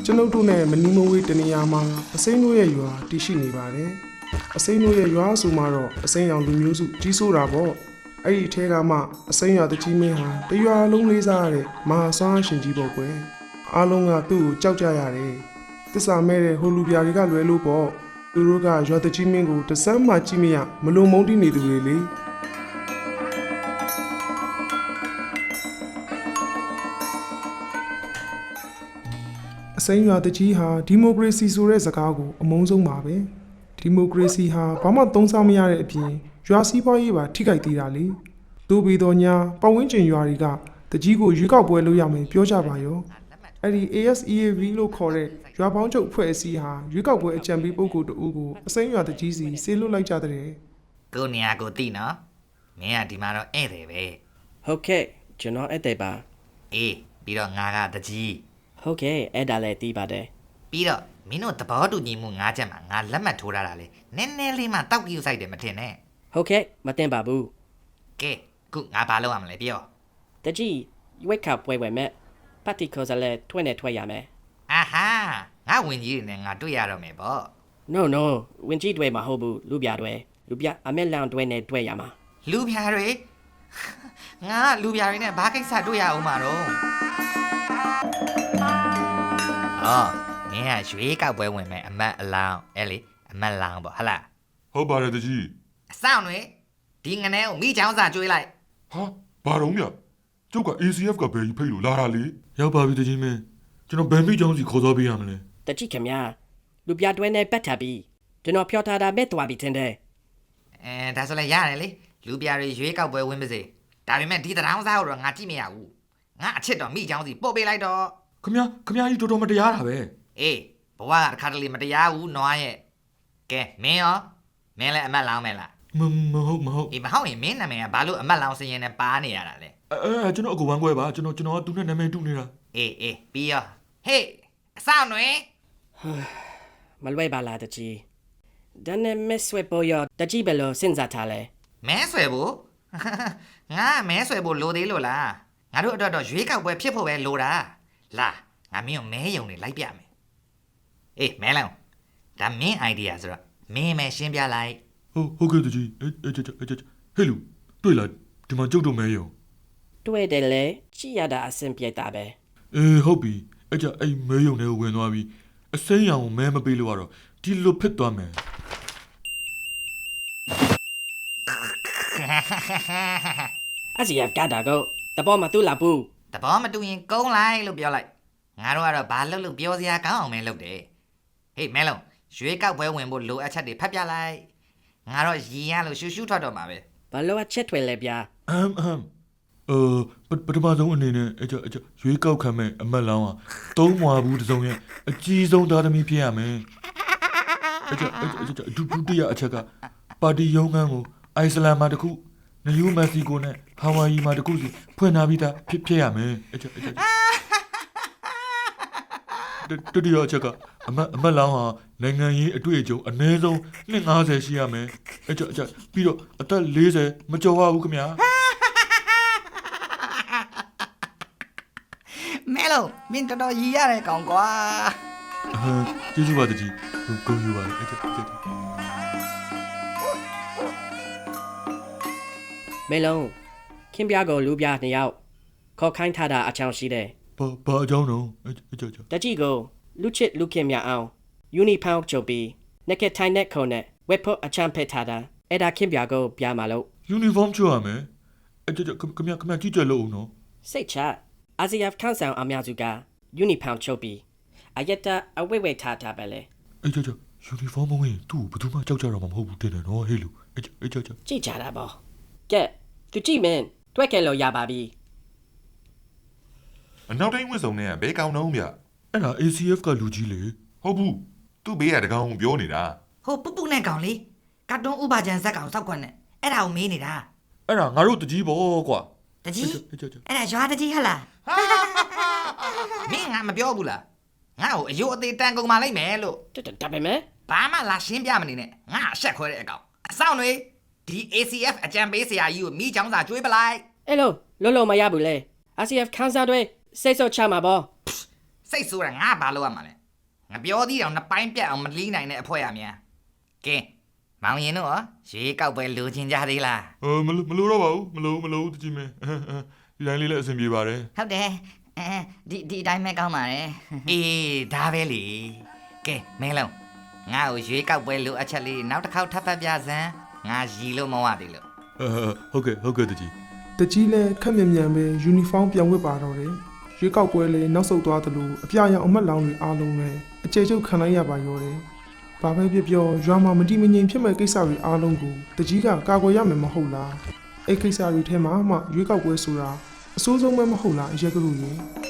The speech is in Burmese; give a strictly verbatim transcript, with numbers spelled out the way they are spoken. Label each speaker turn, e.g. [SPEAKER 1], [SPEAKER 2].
[SPEAKER 1] ကျွန်ုပ်တို့နဲ့မနီမဝေးတနေရာမှာအစိမ်းတို့ရဲ့ရွာတည်ရှိနေပါတယ်အစိမ်းတို့ရဲ့ရွာဆိုမှတော့အစိမ်းရောင်လူမျိုးစုကြီးစိုးတာပေါ့အဲ့ဒီအထဲကမှအစိမ်းရွာတကြီးမင်းဟာတရွာလုံးလေးစားရတဲ့မဟာဆွမ်းရှင်ကြီးပေါ့ကွယ်အားလုံးကသူ့ကိုကြောက်ကြရတယ်တစ္ဆာမဲတဲ့ဟိုလူပြာတွေကလွယ်လို့ပေါ့သူတို့ကရွာတကြီးမင်းကိုတစမ်းမှကြည့်မရမလုံမုန်းတိနေသူတွေလေအစိမ်းရွာတကြီးဟာဒီမိုကရေစီဆိုတဲ့စကားကိုအမုန်းဆုံးပါပဲဒီမိုကရေစီဟာဘာမှသုံးစားမရတဲ့အပြင်ရွာစည်းပွားရေးပါထိခိုက်သေးတာလေသို့ပြီးတော့ညာပတ်ဝန်းကျင်ရွာတွေကတကြီးကိုရွေးကောက်ပွဲလုပ်ရမယ်ပြောကြပါရောအဲ့ဒီ A S E A V လို့ခေါ်တဲ့ရွာပေါင်းချုပ်အဖွဲ့အစည်းဟာရွေးကောက်ပွဲအကြံပေးပုဂ္ဂိုလ်တဦးကိုအစိမ်းရွာတကြီးစီဆေးလွတ်လိုက်ကြတဲ့
[SPEAKER 2] ကိုနေရာကိုသိနော်မင်းကဒီမှာတော့ဧည့်သည်ပဲ
[SPEAKER 3] ဟုတ်ကဲ့ကျွန်တော်ဧည့်သည်ပါ
[SPEAKER 2] အေးပြီးတော့ငါကတကြီး
[SPEAKER 3] ဟုတ်ကဲ့အဲ့ဒါလည်းသိပါတယ်
[SPEAKER 2] ပြီးတော့မင်းတို့သဘောတူညီမှုငါးချက်မှာငါလက်မှတ်ထိုးထားတာလေနည်းနည်းလေးမှတောက်ကြည့်ဆိုင်တယ်မထင်နဲ့
[SPEAKER 3] ဟုတ်ကဲ့မတင်ပါဘူး
[SPEAKER 2] ကဲခုငါဘာလုပ်ရမလဲပြော
[SPEAKER 3] တကြီးရွေးကောက်ပွဲဝင်မဲ့ပါတီခေါ်စလဲထွင်းနဲ့ထွက်ရမယ်
[SPEAKER 2] အာဟာငါဝင်ကြီးတွေနဲ့ငါတွေ့ရတော့မယ်ပေါ့
[SPEAKER 3] no no ဝင်ကြီးတွေမဟုတ်ဘူးလူပြတွေလူပြအမက်လောင်တွေနဲ့တွေ့ရမှာ
[SPEAKER 2] လူပြတွေငါလူပြတွေနဲ့ဘာကိစ္စတွေ့ရအောင်မှာတော့အော်ငါရွေးကောက်ပွဲဝင်မယ်အမတ်အလောင်းအဲ့လေအမတ်လောင်းပေါ့ဟလား
[SPEAKER 4] ဟုတ်ပါတယ်တကြီး
[SPEAKER 2] အဆောင်တွေဒီငနဲကိုမိချောင်းစာကျွေးလိုက်
[SPEAKER 4] ဟာဘာတော့မြကျုပ်က A C F ကဘယ်ကြီးဖိတ်လို့လာတာလေရောက်ပါပြီတကြီးမင်းကျွန်တော်ဘယ်မိချောင်းစီခေါ်သွားပေးရမလဲ
[SPEAKER 3] တကြီးခင်ဗျာလူပြတွဲနဲ့ပတ်ထားပြီးကျွန်တော်ဖြောထားတာမဲ့သွားပြီထင်တယ်
[SPEAKER 2] အဲဒါဆိုလည်းရတယ်လေလူပြတွေရွေးကောက်ပွဲဝင်ပါစေဒါပေမဲ့ဒီတရောင်းစားကိုတော့ငါကြည့်မရဘူးငါအချစ်တော်မိချောင်းစီပို့ပေးလိုက်တော့
[SPEAKER 4] ခမခမကြီးတော်တော်မတရားတာပဲ
[SPEAKER 2] အေးဘဝကတစ်ခါတလေမတရားဘူးနွားရဲ့ကဲမင်းရောမင်းလည်းအမတ်လောင်းမယ်လား
[SPEAKER 4] မမဟုတ်မဟုတ်
[SPEAKER 2] အေးမဟုတ်ရင်မင်းနာမည်ကဘာလို့အမတ်လောင်းစရင်နဲ့ပါနေရတာလဲ
[SPEAKER 4] အဲအဲကျွန်တော်အကူဝမ်းခွဲပါကျွန်တော်ကျွန်တော်ကသူနဲ့နာမည်တူနေတာ
[SPEAKER 2] အေးအေးပြီးရောဟေးအဆောင်တွေ
[SPEAKER 3] မလွယ်ပါလားတကြီးဒါနဲ့မဲဆွဲပေါ်ရတကြီးဘယ်လိုစဉ်းစားထားလဲ
[SPEAKER 2] မဲဆွဲဖို့ငါမဲဆွဲဖို့လိုသေးလို့လားငါတို့အတွက်တော့ရွေးကောက်ပွဲဖြစ်ဖို့ပဲလိုတာလာငါမင်းကိုမဲယုံနေလိုက်ပြမယ်အေးမဲလောင်းဒါမင်း idea ဆိုတော့မင်းမဲရှင်းပြလိုက်
[SPEAKER 4] ဟုတ်ဟုတ်ကဲ့တကြီးအဲအဲအဲဟဲ့လူတွေ့လားဒီမှာကျုပ်တို့မဲယုံ
[SPEAKER 3] တွေ့တယ်လေကြည့်ရတာအဆင်ပြေတာပဲ
[SPEAKER 4] အေးဟုတ်ပြီအဲ့ကြအဲ့မဲယုံတွေကိုဝင်သွားပြီးအစိမ်းရောင်ကိုမဲမပေးလို့ကတော့ဒီလိုဖြစ်သွားမယ်
[SPEAKER 3] အစီရကတာကိုတဘောမတူလာဘူး
[SPEAKER 2] တဘောမတူရင်ကုန်းလိုက်လို့ပြောလိုက်ငါတို့ကတော့ဘာလုပ်လို့ပြောစရာကောင်းအောင်မဲလုပ်တယ်ဟေးမဲလုံးရွေးကောက်ပွဲဝင်ဖို့လိုအပ်ချက်တွေဖတ်ပြလိုက်ငါတော့ရည်ရလို့ရှူးရှူးထွက်တော့မှာပဲ
[SPEAKER 3] ဘာလို့အချက်ထွေလဲဗျာ
[SPEAKER 4] အမ်အမ်အော်ပထမဆုံးအနေနဲ့အကျအကျရွေးကောက်ခံမဲ့အမတ်လောင်းဟာသုံးမွာဘူးတစုံရဲ့အကြီးဆုံးသားသမီးဖြစ်ရမယ်အကျအကျဒုဒုတိယအချက်ကပါတီရုံးခန်းကိုအိုက်စလန်မှာတခုနယူးမက္ကဆီကိုနဲ့ဟာဝိုင်ယီမှာတခုစီဖွင့်ထားပြီးသားဖြစ်ဖြစ်ရမယ်အကျအကျတတိယအချက်ကအမတ်အမတ်လောင်းဟာနိုင်ငံရေးအတွေ့အကြုံအနည်းဆုံးနှစ်၅၀ရှိရမယ်အကျအကျပြီးတော့အသက်၄၀မကျော်ပါဘူးခင်ဗျာ
[SPEAKER 2] မဲလုံးမင်းတော်တော်ရည်ရတယ်ကောင်ကွာ
[SPEAKER 4] ဟာကျေးဇူးပါတကြီးဂုဏ်ယူပါအဲ့ဒါ
[SPEAKER 3] မဲလုံးခင်ဗျားကိုလူပြနှစ်ယောက်ခေါ်ခိုင်းထားတာအချောင်းရှိတယ်
[SPEAKER 4] ဘာဘာအကြောင်းတော့အကြောင်း
[SPEAKER 3] တကြီးကိုလူချစ်လူခင်မြအောင်ယူနီဖောင်းချုပ်ပြီးနက်ခက်ထိုင်နဲ့ခုံနဲ့ဝက်ဖို့အချမ်းဖက်ထားတာအဲ့ဒါခင်ဗျားကိုပြမှာလို့
[SPEAKER 4] ယူနီဖောင်းချုပ်ရမယ်အကြောင်းခင်ဗျာခင်ဗျာကြည့်ကြလို့ဦးနော်
[SPEAKER 3] စိတ်ချအာဆီယံခန်းဆောင်အများစုကယူနီဖောင်းချုပ်ပြီးအယက်တာအဝိဝိထားတာပဲလေ
[SPEAKER 4] အဲ့ကြောင့်ယူနီဖောင်းမဝင်သူ့ဘယ်သူမှကြောက်ကြတော့မှာမဟုတ်ဘူးတင်တယ်နော်ဟေးလူအဲ့ကြောင့်
[SPEAKER 3] ကြည့်ကြတာပေါ့ကဲသူကြည့်မင်းတွက်ခဲ့လို့ရပါပြီ
[SPEAKER 5] အနောက်တိုင်းဝစ်စုံနဲ့ဘဲကောင်းတော့ဗျ
[SPEAKER 4] အဲ့ဒါ A C F ကလူကြီးလေ
[SPEAKER 5] ဟုတ်ဘူးသူ့ဘေးကတကောင်ပြောနေတာ
[SPEAKER 2] ဟိုပူပူနဲ့ကောင်လေကတ်တွန်းဥပါချန်ဇက်ကောင်စောက်ခွက်နဲ့အဲ့ဒါကိုမေးနေတာ
[SPEAKER 4] အဲ့ဒါငါတို့တကြီးပေါ့ကွာ
[SPEAKER 2] တကြီးအဲ့ဒါရွာတကြီးဟလားမင်းငါမပြောဘူးလားငါ့ကိုအယိုးအသေးတန်ကုန်မှလိုက်မယ်လို့
[SPEAKER 3] ဒါပေမဲ့
[SPEAKER 2] ဘာမှလာရှင်းပြမနေနဲ့ငါအဆက်ခွဲတဲ့အကောင်အဆောင်တွေဒီ A C F အကြံပေးဆရာကြီးကိုမိချောင်းစာကျွေးပလိုက်
[SPEAKER 3] အဲ့လိုလုံးလုံးမရဘူးလေ A C F ခန်းစားတွေစိတ်ဆော့ချမှာပေါ့
[SPEAKER 2] စိတ်ဆိုးတာငါဘာလုပ်ရမှာလဲငါပြောသေးအောင်နှစ်ပိုင်းပြတ်အောင်မလီးနိုင်တဲ့အဖွဲရမြန်ကဲမောင်ရင်တို့ရောရွေးကောက်ပွဲလိုချင်ကြသေးလား
[SPEAKER 4] เออမလို့မလို့တော့ပါဘူးမလို့မလို့တကြီးမင်းဒီတိုင်းလေးလည်းအဆင်ပြေပါတယ်
[SPEAKER 6] ဟုတ်တယ်အဲဒီဒီအတိုင်းပဲကောင်းပါတယ်
[SPEAKER 2] အေးဒါပဲလေကဲမင်းလုံးငါ့ကိုရွေးကောက်ပွဲလိုအပ်ချက်လေးနောက်တစ်ခေါက်ထပ်ဖတ်ပြစမ်းငါရီလို့မဝသေးလို့
[SPEAKER 4] အဲဟုတ်ကဲ့ဟုတ်ကဲ့တကြီး
[SPEAKER 1] တကြီးလည်းခက်မြန်မြန်ပဲယူနီဖောင်းပြောင်းဝတ်ပါတော့တယ်ရွေးကောက်ပွဲလည်းနောက်ဆုတ်သွားသလိုအပြရောင်အမတ်လောင်တွေအားလုံးလည်းအကျယ်ချုပ်ခံလိုက်ရပါရောတယ်ဘာပဲဖြစ်ပြောရွာမှာမတိမငြိမ်ဖြစ်မဲ့ကိစ္စတွေအားလုံးကိုတကြီးကကာကွယ်ရမယ်မဟုတ်လားအဲ့ကိစ္စတွေထဲမှာမှရွေးကောက်ပွဲဆိုတာအဆိုးဆုံးပဲမဟုတ်လားအရက်ကလူကြီး